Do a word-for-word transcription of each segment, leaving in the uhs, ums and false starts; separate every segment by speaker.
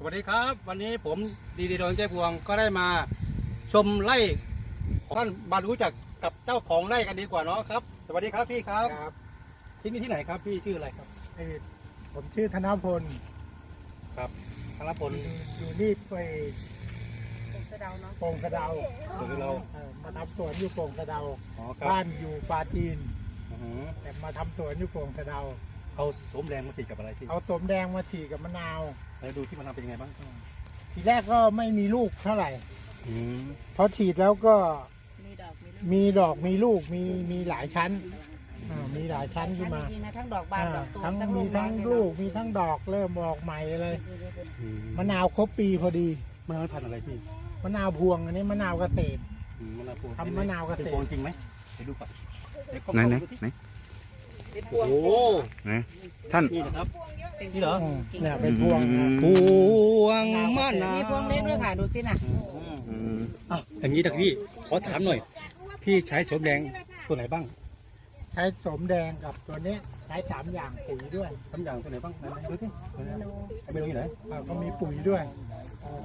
Speaker 1: สวัสดีครับวันนี้ผมดีดีโดนใจพวงก็ได้มาชมไร่ของท่านมารู้จักกับเจ้าของไร่กันดีกว่าเนาะครับสวัสดีครับพี่ครับ
Speaker 2: ครับ
Speaker 1: ที่นี่ที่ไหนครับพี่ชื่ออะไรครับ
Speaker 2: เอ่อผมชื่อธนพล
Speaker 1: ครับธนพล
Speaker 2: อยู่อยู่นี่ไป
Speaker 3: สะเดาเนาะ
Speaker 2: โป่งสะเดา
Speaker 1: หรือเรา
Speaker 2: เอ่อมาทำสวนอยู่โป่งสะเดา
Speaker 1: อ๋อครับ
Speaker 2: บ้านอยู่ปราจีน
Speaker 1: อือหือ
Speaker 2: แต่มาทำสวนอยู่โป่งสะเดา
Speaker 1: เอาสวมแรงมาฉีดกับอะไรพี่
Speaker 2: เอาสมแดงมาฉีดกับมะนาว
Speaker 1: แล้วดูที่มันทำเป็นยังไงบ้าง
Speaker 2: ทีแรกก็ไม่มีลูกเท่าไหร่
Speaker 1: อืม
Speaker 2: พอฉีดแล้วก็
Speaker 3: มีดอกมีลูก
Speaker 2: มีดอกมีลูกมีมีหลายชั้นอ่ามีหลายชั้นขึ้นมา
Speaker 3: จริงๆนะทั้งดอกบาน
Speaker 2: อ่า
Speaker 3: ดอกตูม
Speaker 2: ทั้ง
Speaker 3: ทั้ง
Speaker 2: มี
Speaker 3: ลูก
Speaker 2: ทั้ง
Speaker 3: เลย
Speaker 2: ลูกมีทั้งดอกเริ่มออกใหม่เลย
Speaker 1: อืม
Speaker 2: มะนาวครบปีพอดี
Speaker 1: มันพันธุ์อะไรพี่
Speaker 2: มะนาวพวงอันนี้มะนาวเกษตร
Speaker 1: อืมมะนาวพวง
Speaker 2: ทำมะนาวเกษตร
Speaker 1: เป็นพวงจริงไหมไปดูก่อนเดี๋ยวกล้อง
Speaker 4: ไหนไหน
Speaker 1: ดูสิ
Speaker 4: ไหน
Speaker 3: เป็นพ
Speaker 1: โอ้
Speaker 3: วง
Speaker 1: โห
Speaker 4: ไหนท่าน
Speaker 1: นี่นะครับนี่เหรอ
Speaker 2: อืมเนี่ยเป็นพวงนะ
Speaker 1: พวงมะนาว
Speaker 3: มีพวงเล็กด้วยค่ะดูสิน่ะ
Speaker 1: อืม
Speaker 4: อืม
Speaker 1: อ่ะอย่างนี้นะพี่ขอถามหน่อย พี่ใช้สวมแดงตัวไหนบ้าง
Speaker 2: ใช้สมแดงกับตัวนี้ใช้สามอย่างปุ๋ยด้วย
Speaker 1: ทำอย่างตัวไหนบ้างไหนๆดูสิไอ้เมนูอยู่ไหน
Speaker 2: อ่าก็มีปุ๋ยด้วย
Speaker 1: อ๋อ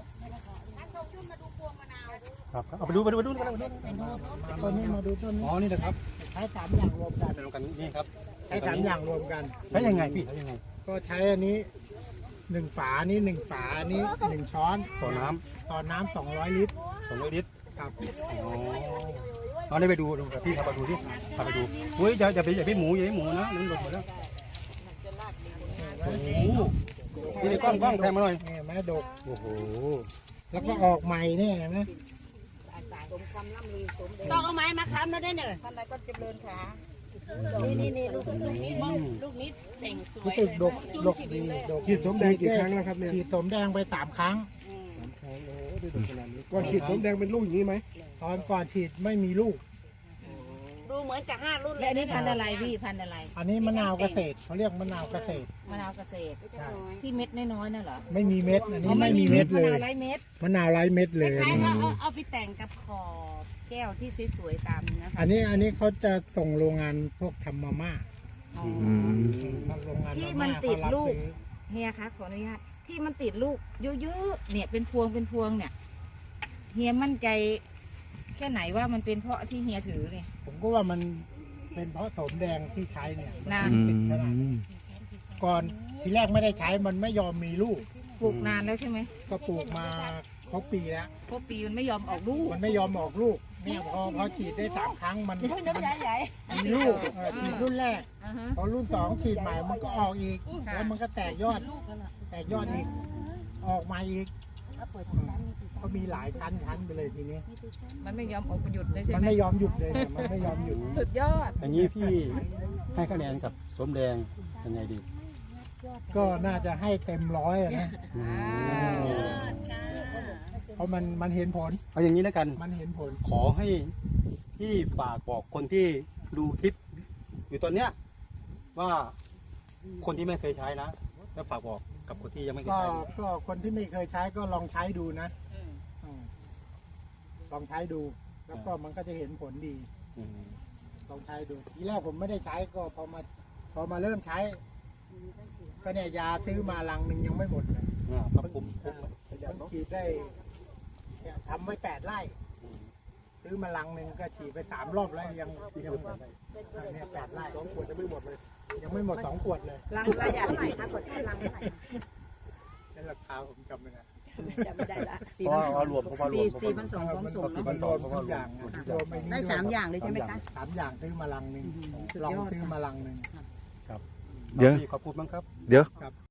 Speaker 1: ครับครับเอาไปดูไปดูไปดูไปดูไปดู
Speaker 2: ตัวนี้มาดูต้น
Speaker 1: อ๋อนี่นะครับ
Speaker 2: ใช้สามอย่างรวมกัน
Speaker 1: เป็นกันนี่ครับ
Speaker 2: ใช้สามอย่างรวมกัน
Speaker 1: ใช้ยังไงพี่ใช้ยังไง
Speaker 2: ก็ใช้อันนี้หนึ่งฝานี้หนึ่งฝานี้หนึ่งช้อน
Speaker 1: ต่อน้
Speaker 2: ต่อน้ำสองร้อยลิตร
Speaker 1: ำสองร้อยลิตร
Speaker 2: ครับ
Speaker 1: อ๋อเอาได้ไปดูดูพี่พาไปดูสิพาไปดูเฮ้ยอย่าอย่าไปอย่าไปหมูอย่าไปหมูนะนั่นหล่นหมดแล้วโอ้โหนี่กล้องกล้องแพงมาหน่อย
Speaker 2: นี่แม่ดก
Speaker 1: โอ้โห
Speaker 2: แล้วก็ออกใหม่เนี่ยเห็นไหม
Speaker 3: สมคำล่ำลือสมเด็จต้องเอาไม้มาค้ำแล้วได้เนี่ยท่านใดก็เจริญขานี่นี่นี่ลูกลูกนิดมั้งลูกนิดแต่งสวย
Speaker 2: รู้สึกดกดกดีดก
Speaker 5: ฉีดสมแดงกี่ครั้งแล้วครับเนี่ย
Speaker 2: ฉีดสมแดงไปสามครั้ง
Speaker 3: อืม
Speaker 5: ก่อนฉีดสมแดงเป็นลูกอย่างนี้ไหม
Speaker 2: ตอนก่อนฉีดไม่มีลูก
Speaker 3: ดูเหมือนกับห้ารุ่นเลยนี่พันอะไรพี่พันอะไร
Speaker 2: อันนี้มะนาวเกษตรเขาเรียกมะนาวเกษตร
Speaker 3: มะนาวเกษตรที่เม็ดน้อยๆน่ะเหรอ
Speaker 2: ไม่มีเม็ด อันนี้ไม่มีเม็ดเล
Speaker 3: มะนาย วไร้เม็ด
Speaker 2: มะนาวไร้เม็ดเลย
Speaker 3: คล้ายๆว่าเอาเอาไปแต่งกับขอบแก้วที่สวยๆตามนะคะ
Speaker 2: อันนี้อันนี้เขาจะส่งโรงงานพวกทำมาม่า
Speaker 3: อ๋อ
Speaker 4: อืม
Speaker 2: ทำโรงงาน
Speaker 3: ที่
Speaker 2: มา
Speaker 3: มัน
Speaker 2: ม่า
Speaker 3: ติด
Speaker 2: เขารับ
Speaker 3: ลูก
Speaker 2: ซื้อ
Speaker 3: เฮียคะขออนุญาตที่มันติดลูกเยอะๆเนี่ยเป็นพวงเป็นพวงเนี่ยเฮียมั่นใจแค่ไหนว่ามันเป็นเพราะที่เฮียถือเนี่ย
Speaker 2: ผมก็ว่ามันเป็นเพราะสมแดงที่ใช้เนี่ย
Speaker 3: นะ
Speaker 2: มันติดขนาดนั้นก่อนทีแรกไม่ได้ใช้มันไม่ยอมมีลูก
Speaker 3: ปลูกนานแล้วใช่ไหม
Speaker 2: ก็ปลูกมาครบปีแล้ว
Speaker 3: เพราะปีมันไม่ยอมออกลูก
Speaker 2: มันไม่ยอมออกลูกเนี่ยพอพอฉีดได้สามครั้งมัน
Speaker 3: น้ำใหญ่ใหญ่
Speaker 2: มีลูกเออฉีดรุ่นแรก
Speaker 3: อ่าฮะ
Speaker 2: พอรุ่นสองฉีดใหม่มันก็ออกอีก
Speaker 3: ค่ะ
Speaker 2: แล้วมันก็แตกยอด แตกยอดอีก ออกมาอีกก็มีหลายชั้นชั้นไปเลยทีนี้
Speaker 3: มันไม่ยอมออกหยุดเลยใช่
Speaker 2: มัน
Speaker 3: ไหม
Speaker 2: ไม่ยอมหยุดเลยเนี่ยมันไม่ยอมหยุด
Speaker 3: สุดยอด
Speaker 1: อย่างนี้พี่ให้คะแนนกับสวมแดงยังไงดี
Speaker 2: ก็น่าจะให้เต็มร้อยอะนะ
Speaker 1: อืม
Speaker 2: เพราะมันมันเห็นผล
Speaker 1: เอาอย่างนี้แล้วกัน
Speaker 2: มันเห็นผล
Speaker 1: ขอให้พี่ฝากบอกคนที่ดูคลิป อยู่ตอนเนี้ยว่าคนที่ไม่เคยใช้นะแล้วฝากบอกกับคนที่ยังไม่เคย
Speaker 2: ก็
Speaker 1: ใช้
Speaker 2: ก็คนที่ไม่เคยใช้ก็ลองใช้ดูนะอืมลองใช้ดู แล้วก็มันก็จะเห็นผลดี
Speaker 1: อืม
Speaker 2: ลองใช้ดู ทีแรกผมไม่ได้ใช้ก็พอมา พอมาเริ่มใช้ ก็เนี่ยยาซื้อมาลังหนึ่งยังไม่หมดเลย
Speaker 1: อ่าครับผมผม
Speaker 2: เพิ่งฉีดได้เนี่ยทำไว้แปดไร่ ซื้อมาลังหนึ่งก็ฉีดไปสามรอบแล้วยังยังเนี่ยแปดไร่สองขวดยังไม่หมดเลย ยังไม่หมดสองขวดเลย
Speaker 3: ลังระยะเท่าไหร่คะกดแค่ลังเท่าไหร่
Speaker 2: นั่นราคาผมจำไม่ได้
Speaker 3: จำไม่ได้ละ
Speaker 1: เพราะว่ารวมเพราะว่ารวม
Speaker 3: สี่พันสองพร้อมส่ง
Speaker 1: สี่
Speaker 3: เน
Speaker 1: พั
Speaker 3: อะ
Speaker 1: นสองเพราะ
Speaker 2: ทุ
Speaker 1: ว่าก ร
Speaker 2: อ
Speaker 1: ว
Speaker 2: ย่าม งนะรวมไอ้นี่
Speaker 3: ได้
Speaker 2: วย
Speaker 3: สามอย่างเลยใช่ไหมคะ
Speaker 2: สามอย่างซื้อมาลังหนึ่ง
Speaker 3: สุด
Speaker 2: ลอง
Speaker 3: ยอด
Speaker 2: ซื้อมาลังหนึ่ง
Speaker 1: ครับ
Speaker 4: เดี๋ยว
Speaker 1: พี่ขอพูดบ้างครับ
Speaker 4: เดี๋ยว